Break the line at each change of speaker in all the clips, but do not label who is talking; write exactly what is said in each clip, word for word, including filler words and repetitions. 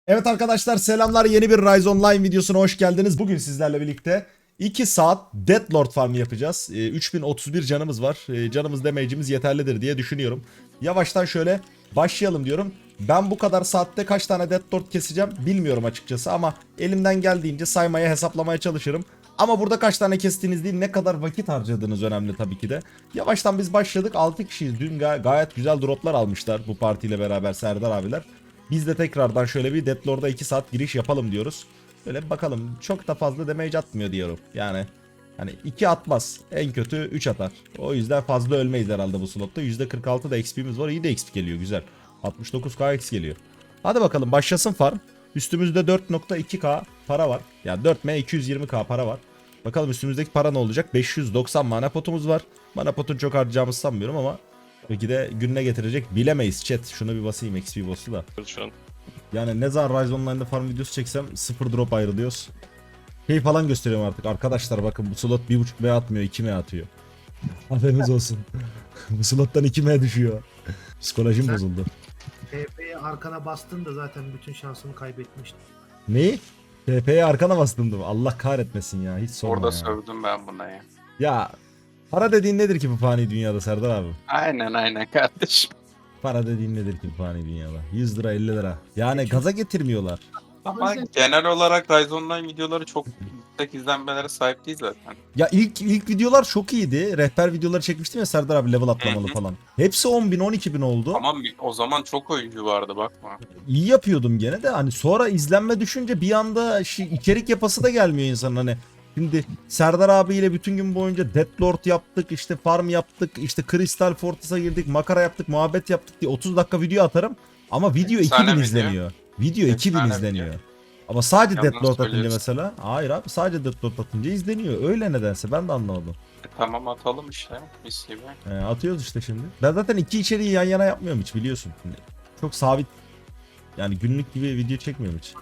Evet arkadaşlar selamlar, yeni bir Rise Online videosuna hoş geldiniz. Bugün sizlerle birlikte iki saat Deathlord farmı yapacağız. Ee, üç bin otuz bir canımız var. Ee, canımız damage'imiz yeterlidir diye düşünüyorum. Yavaştan şöyle başlayalım diyorum. Ben bu kadar saatte kaç tane Deathlord keseceğim bilmiyorum açıkçası ama elimden geldiğince saymaya, hesaplamaya çalışırım. Ama burada kaç tane kestiğiniz değil, ne kadar vakit harcadığınız önemli tabii ki de. Yavaştan biz başladık, altı kişiyiz. Dün gay- gayet güzel droplar almışlar bu partiyle beraber Serdar abiler. Biz de tekrardan şöyle bir Deathlord'a iki saat giriş yapalım diyoruz. Böyle bakalım, çok da fazla damage atmıyor diyorum. Yani hani iki atmaz. En kötü üç atar. O yüzden fazla ölmeyiz herhalde bu slotta. yüzde kırk altı da X P'miz var. İyi de X P geliyor, güzel. altmış dokuz K X geliyor. Hadi bakalım başlasın farm. Üstümüzde dört nokta iki K para var. Yani dört M iki yüz yirmi K para var. Bakalım üstümüzdeki para ne olacak? beş yüz doksan mana potumuz var. Mana potunu çok harcayacağımızı sanmıyorum ama belki de gününe getirecek, bilemeyiz chat. Şunu bir basayım X P boss'u da.
Şu an.
Yani ne zaman Rise Online'da farm videosu çeksem sıfır drop ayrılıyoruz. Şey falan gösteriyorum artık. Arkadaşlar bakın, bu slot bir buçuk M atmıyor, iki M atıyor. Haberiniz olsun. Bu slottan iki M düşüyor. Psikolojim
Sen-
bozuldu.
T P'ye arkana bastın da zaten bütün şansını kaybetmiştin.
Neyi? T P'ye arkana bastım. Allah kahretmesin ya. Hiç sorma
Orada
ya.
sövdüm ben buna ya.
Ya para dediğin nedir ki bu fani dünyada Serdar abi?
Aynen aynen kardeşim.
Para dediğin nedir ki bu fani dünyada? yüz lira, elli lira. Yani
Peki.
gaza getirmiyorlar.
Ama
sen-
genel olarak Rise Online videoları çok yüksek izlenmelere sahip değil zaten.
Ya ilk ilk videolar çok iyiydi. Rehber videoları çekmiştim ya Serdar abi, level atlamalı
Hı hı.
falan. Hepsi on bin on iki bin oldu.
Ama o zaman çok oyuncu vardı bakma.
İyi yapıyordum gene de, hani sonra izlenme düşünce bir anda şey, içerik yapası da gelmiyor insanın. Hani şimdi Serdar abiyle bütün gün boyunca Deathlord yaptık, işte farm yaptık, işte Crystal Fortress'a girdik, makara yaptık, muhabbet yaptık diye otuz dakika video atarım ama video
Efsane
iki bin
video.
izleniyor. Video iki bin
Efsane
izleniyor.
video.
Ama sadece
Yalan
Deathlord atınca
söylüyorsun.
mesela, hayır abi, sadece Deathlord atınca izleniyor. Öyle nedense, ben de anlamadım.
E, tamam atalım işte mis gibi.
Ee, atıyoruz işte şimdi. Ben zaten iki içeriği yan yana yapmıyorum hiç, biliyorsun. Şimdi çok sabit, yani günlük gibi video çekmiyorum hiç.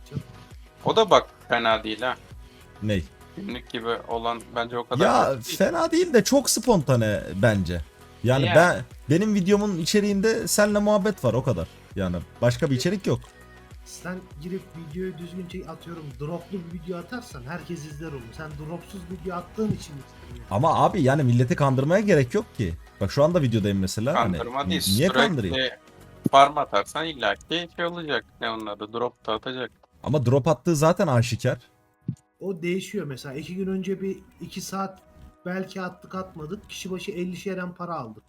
O da bak fena değil ha.
Ney?
Günlük gibi olan bence o kadar
Ya
kötü değil.
fena değil de çok spontane bence. Yani
Yani.
ben benim videomun içeriğinde seninle muhabbet var, o kadar. Yani başka bir içerik yok.
Sen girip videoyu düzgün çek, atıyorum droplu bir video atarsan herkes izler onu. Sen dropsuz video attığın için izleniyor.
Ama abi yani milleti kandırmaya gerek yok ki. Bak şu anda videodayım mesela.
Kandırma
hani,
değil.
Niye kandırayım?
Sürekli farm atarsan illaki şey olacak. Ne onun adı? Drop da atacak.
Ama drop attığı zaten aşikar.
O değişiyor mesela. iki gün önce bir iki saat belki attık atmadık. Kişi başı elli şeren para aldık.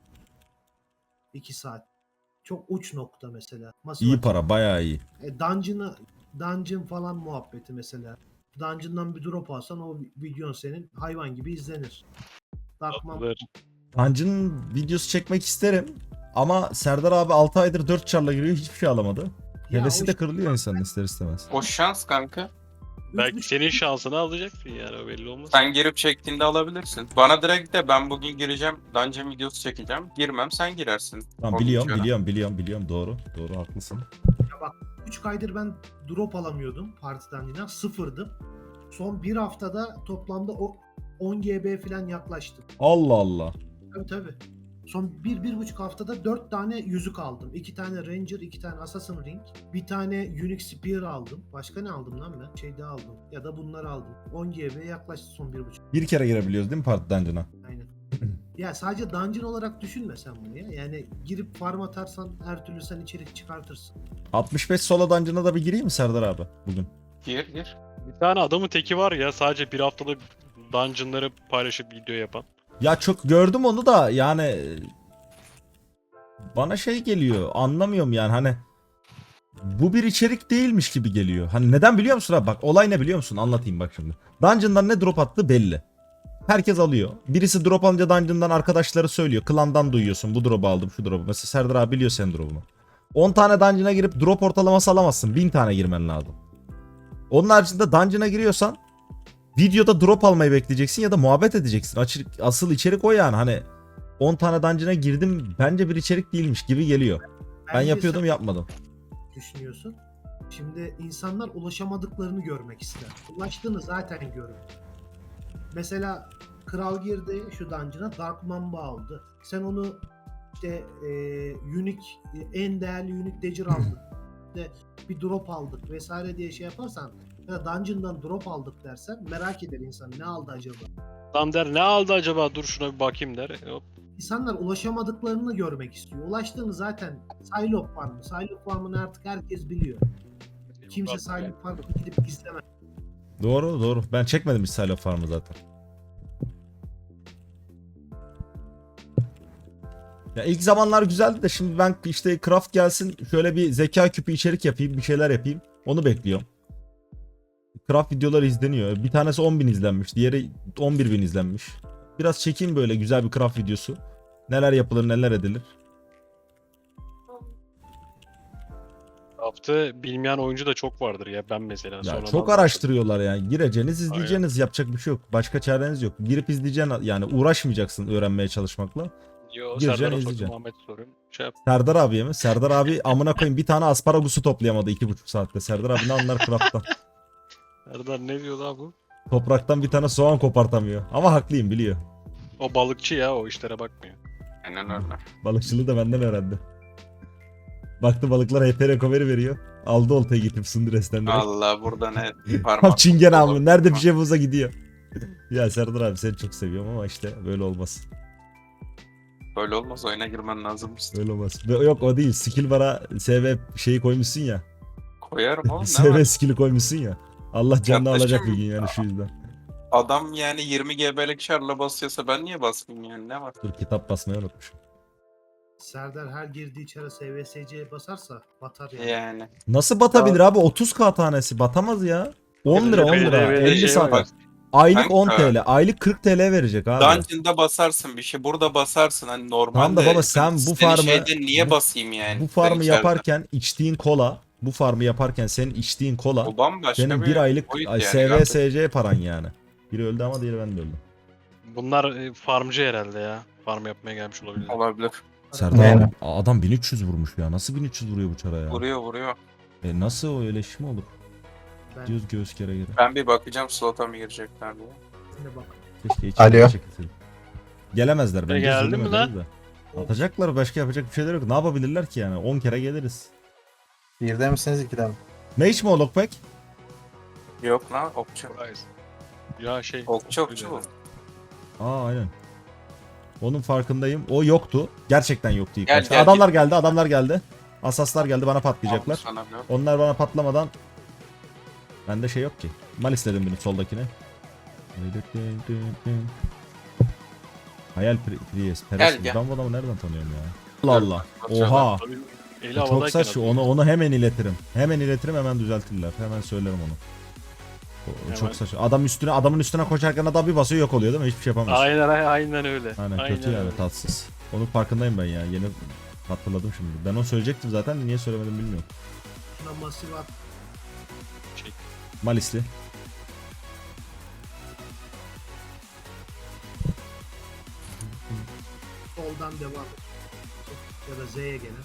iki saat. Çok uç nokta mesela. Masa
İyi
maçı.
para, bayağı iyi.
E, dungeon'a dungeon falan muhabbeti mesela. Dungeon'dan bir drop alsan o videon senin hayvan gibi izlenir. Darkman
Dungeon videosu çekmek isterim. Ama Serdar abi altı aydır dört çarla giriyor, hiçbir şey alamadı.
Ya
Hevesi
o
de
işte-
kırılıyor insanın ister istemez.
O şans kanka.
Belki
üç
senin şansını alacaksın yani, o belli olmaz.
Sen girip çektiğinde alabilirsin. Bana direkt de ben bugün gireceğim. Dungeon videosu çekeceğim. Girmem sen girersin.
Tamam,
O
biliyorum
videoya.
biliyorum biliyorum biliyorum, doğru doğru, haklısın.
buçuk aydır ben drop alamıyordum partiden yine sıfırdım. Son bir haftada toplamda o on G B falan yaklaştım.
Allah Allah.
Tabii tabii. Son bir, bir buçuk haftada dört tane yüzük aldım. iki tane Ranger, iki tane Assassin Ring, bir tane Unique Spear aldım. Başka ne aldım lan ben? Şey daha aldım. Ya da bunları aldım. on G B'ye yaklaştı son bir buçuk.
Bir kere girebiliyoruz değil mi Parti Dungeon'a?
Aynen. Ya sadece dungeon olarak düşünme sen bunu ya. Yani girip farm atarsan her türlü sen içerik çıkartırsın.
altmış beş solo Dungeon'a da bir gireyim mi Serdar abi bugün?
Gir gir.
Bir tane adamın teki var ya, sadece bir haftada dungeonları paylaşıp video yapan.
Ya çok gördüm onu da, yani e, bana şey geliyor, anlamıyorum yani, hani bu bir içerik değilmiş gibi geliyor. Hani neden biliyor musun abi? Bak olay ne biliyor musun? Anlatayım bak şimdi. Dungeon'dan ne drop attığı belli. Herkes alıyor. Birisi drop alınca Dungeon'dan arkadaşları söylüyor. Klandan duyuyorsun. Bu drop'u aldım, şu drop'u. Mesela Serdar abi biliyor senin drop'unu. on tane Dungeon'a girip drop ortalaması alamazsın. bin tane girmen lazım. Onun haricinde Dungeon'a giriyorsan videoda drop almayı bekleyeceksin ya da muhabbet edeceksin. Açık, asıl içerik o yani. Hani on tane Dungeon'a girdim, bence bir içerik değilmiş gibi geliyor. Ben
Bence
yapıyordum,
sen
yapmadım.
düşünüyorsun. Şimdi insanlar ulaşamadıklarını görmek ister. Ulaştığını zaten görür. Mesela Kral girdi şu dungeon'a, Dark Mamba aldı. Sen onu işte e, unique, en değerli unique dagger aldın. de bir drop aldık vesaire diye şey yaparsan ya da dungeon'dan drop aldık dersen merak eder insan ne aldı acaba?
Adam der ne aldı acaba, dur şuna bir bakayım der. Hop.
İnsanlar ulaşamadıklarını görmek istiyor. Ulaştığını zaten Psylocke Farmı. Psylocke Farmı'nı artık herkes biliyor. Kimse Psylocke Farmı'nı gidip izlemez.
Doğru doğru. Ben çekmedim hiç Silo Farm'ı zaten. Ya ilk zamanlar güzeldi de şimdi ben işte craft gelsin şöyle bir zeka küpü içerik yapayım bir şeyler yapayım. Onu bekliyorum. Craft videoları izleniyor. Bir tanesi on bin izlenmiş. Diğeri on bir bin izlenmiş. Biraz çekeyim böyle güzel bir craft videosu. Neler yapılır neler edilir.
Craft'ı bilmeyen oyuncu da çok vardır ya, ben mesela.
Ya
sonradan
çok
başladım.
araştırıyorlar yani. Gireceğiniz izleyeceğiniz yapacak bir şey yok. Başka çareniz yok. Girip izleyeceksin yani uğraşmayacaksın öğrenmeye çalışmakla.
Yo,
Gireceksin,
Serdar'a
izleyeceksin.
sordum, Ahmet'e soruyorum. Şey yap.
Serdar abiye mi? Serdar abi amına koyayım bir tane asparagusu toplayamadı iki buçuk saatte. Serdar abi ne anlar craft'tan.
Serdar ne diyor daha bu?
Topraktan bir tane soğan kopartamıyor. Ama haklıyım biliyor.
O balıkçı ya, o işlere bakmıyor.
Aynen öyle.
Balıkçılığı da benden öğrendi. Baktı balıklar H P recovery veriyor. Aldı oltayı gidip Sundres'ten direkt.
Allah burada ne
Tam
parmak.
çingen abi. Nerede bir şey bulsa gidiyor. Ya Serdar abi seni çok seviyorum ama işte böyle olmaz.
Böyle olmaz, oyuna girmen lazım işte.
Böyle olmaz. Ve yok o değil. Skill bara S V şeyi koymuşsun ya.
Koyarım oğlum ne
S V
var?
skill'i koymuşsun ya. Allah canını
Yaklaşım-
alacak bir gün yani şu yüzden.
Adam yani yirmi G B'lik şarla basıyorsa ben niye basmayayım yani, ne var?
Dur kitap basmayı unutmuşum.
Serdar her girdiği çara S V S C'ye basarsa batar yani.
Yani.
Nasıl batabilir abi? otuz K tanesi batamaz ya. on lira on lira.
Böyle
elli
şey
saat.
var.
Aylık on
Kanka.
T L. Aylık kırk T L verecek abi.
Dungeon'da basarsın bir şey, burada basarsın hani normalde.
Tamam da baba sen bu
senin
farmı-
şeyde niye
bu-
basayım yani?
Bu farmı
Ben içeride.
yaparken içtiğin kola, bu farmı yaparken senin içtiğin kola
O bambaşka
senin bir aylık
boyut
ay,
yani
S V
kardeşim.
S C paran yani. Biri öldü ama diğeri ben de öldüm.
Bunlar e, farmcı herhalde ya. Farm yapmaya gelmiş olabilir.
Olabilir.
Serdar
Yani.
abi, adam bin üç yüz vurmuş ya. Nasıl bin üç yüz vuruyor bu çara ya?
Vuruyor vuruyor.
E nasıl o öyle iş mi olur?
Ben
Diyoruz göğüs kere göre.
Ben bir bakacağım slota mı girecekler diye.
ne bak.
Keşke
Alo.
içeri çekilseydik. Gelemezler bence.
geldi
zulüm
mi
ederiz de. Atacaklar başka yapacak bir şeyler yok. Ne yapabilirler ki yani? on kere geliriz.
Birde misiniz ikide mi?
Mage mi o Lockback?
Yok lan okçu.
Ya şey.
Okçu okçu bu.
Aa aynen. Onun farkındayım. O yoktu. Gerçekten yoktu ilk
Gel,
başta.
gel,
Adamlar geldi, adamlar geldi. Asaslar geldi bana patlayacaklar.
Aldım sana bir.
Onlar bana patlamadan bende şey yok ki. Malis dedim benim soldakine. Hayal Pri- Priest. Peres.
gel.
Ben bu adamı nereden tanıyorum ya? Allah Allah.
Bakıyorum.
Oha.
Tabii, eli
Çok
havadayken
saçma.
atıyor.
Onu onu hemen iletirim. Hemen iletirim, hemen düzeltirler. Hemen söylerim onu. O- o
Hemen.
Çok saçma. Adam üstüne adamın üstüne koşarken adam bir basıyor yok oluyor değil mi? Hiçbir şey yapamıyorsun.
Aynen aynen öyle.
Aynen, kötü yani
öyle.
tatsız. Onun farkındayım ben ya. Yeni hatırladım şimdi. Ben onu söyleyecektim zaten. Niye söylemedim bilmiyorum.
Şuna masif at.
Çek.
Malisli.
Soldan devam et. Ya da Z'ye gene.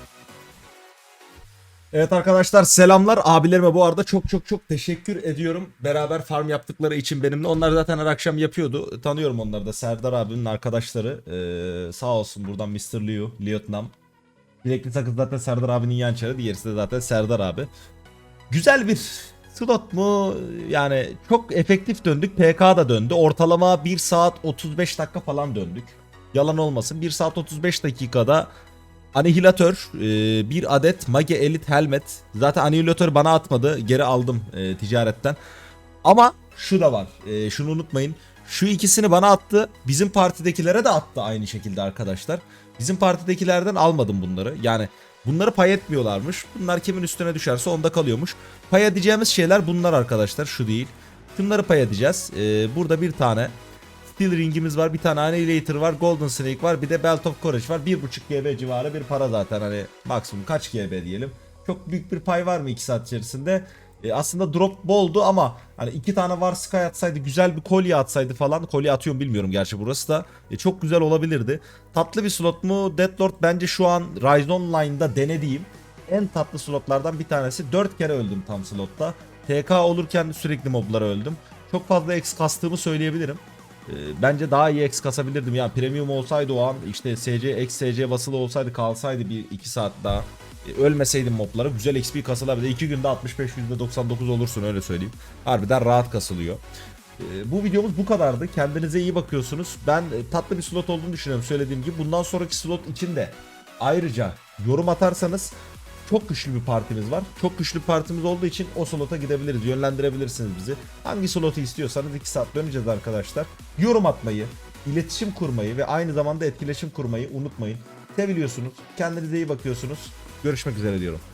Evet arkadaşlar selamlar. Abilerime bu arada çok çok çok teşekkür ediyorum. Beraber farm yaptıkları için benimle. Onlar zaten her akşam yapıyordu. Tanıyorum onları da. Serdar abinin arkadaşları. Ee, sağ olsun buradan mister Liu, Liotnam. Bilekli sakız zaten Serdar abinin yan çarı. Diğerisi de zaten Serdar abi. Güzel bir slot mu? Yani çok efektif döndük. P K da döndü. Ortalama bir saat otuz beş dakika falan döndük. Yalan olmasın. bir saat otuz beş dakikada Anihilatör, e, bir adet Mage Elite Helmet. Zaten Anihilatör bana atmadı. Geri aldım e, ticaretten. Ama şu da var. E, şunu unutmayın. Şu ikisini bana attı. Bizim partidekilere de attı aynı şekilde arkadaşlar. Bizim partidekilerden almadım bunları. Yani bunları pay etmiyorlarmış. Bunlar kimin üstüne düşerse onda kalıyormuş. Pay edeceğimiz şeyler bunlar arkadaşlar. Şu değil. Şunları pay edeceğiz. E, burada bir tane Steel Ring'imiz var, bir tane Annihilator var, Golden Snake var, bir de Belt of Courage var. bir buçuk G B civarı bir para zaten, hani maksimum kaç G B diyelim. Çok büyük bir pay var mı iki saat içerisinde? E, aslında drop boldu ama hani iki tane var Sky atsaydı, güzel bir kolye atsaydı falan. Kolye atıyorum bilmiyorum gerçi burası da. E, çok güzel olabilirdi. Tatlı bir slot mu? Deathlord bence şu an Rise Online'da denediğim en tatlı slotlardan bir tanesi. dört kere öldüm tam slotta. T K olurken sürekli moblara öldüm. Çok fazla X kastığımı söyleyebilirim. Ee, bence daha iyi X kasabilirdim. Yani premium olsaydı o an işte S C, X S C basılı olsaydı kalsaydı bir iki saat daha. Ee, ölmeseydim moblara güzel X P kasılabilir. iki günde altmış beş yüzde doksan dokuz olursun öyle söyleyeyim. Harbiden rahat kasılıyor. Ee, bu videomuz bu kadardı. Kendinize iyi bakıyorsunuz. Ben e, tatlı bir slot olduğunu düşünüyorum söylediğim gibi. Bundan sonraki slot için de ayrıca yorum atarsanız çok güçlü bir partimiz var. Çok güçlü bir partimiz olduğu için o slota gidebiliriz. Yönlendirebilirsiniz bizi. Hangi slotu istiyorsanız iki saat döneceğiz arkadaşlar. Yorum atmayı, iletişim kurmayı ve aynı zamanda etkileşim kurmayı unutmayın. Seviliyorsunuz. Kendinize iyi bakıyorsunuz. Görüşmek üzere diyorum.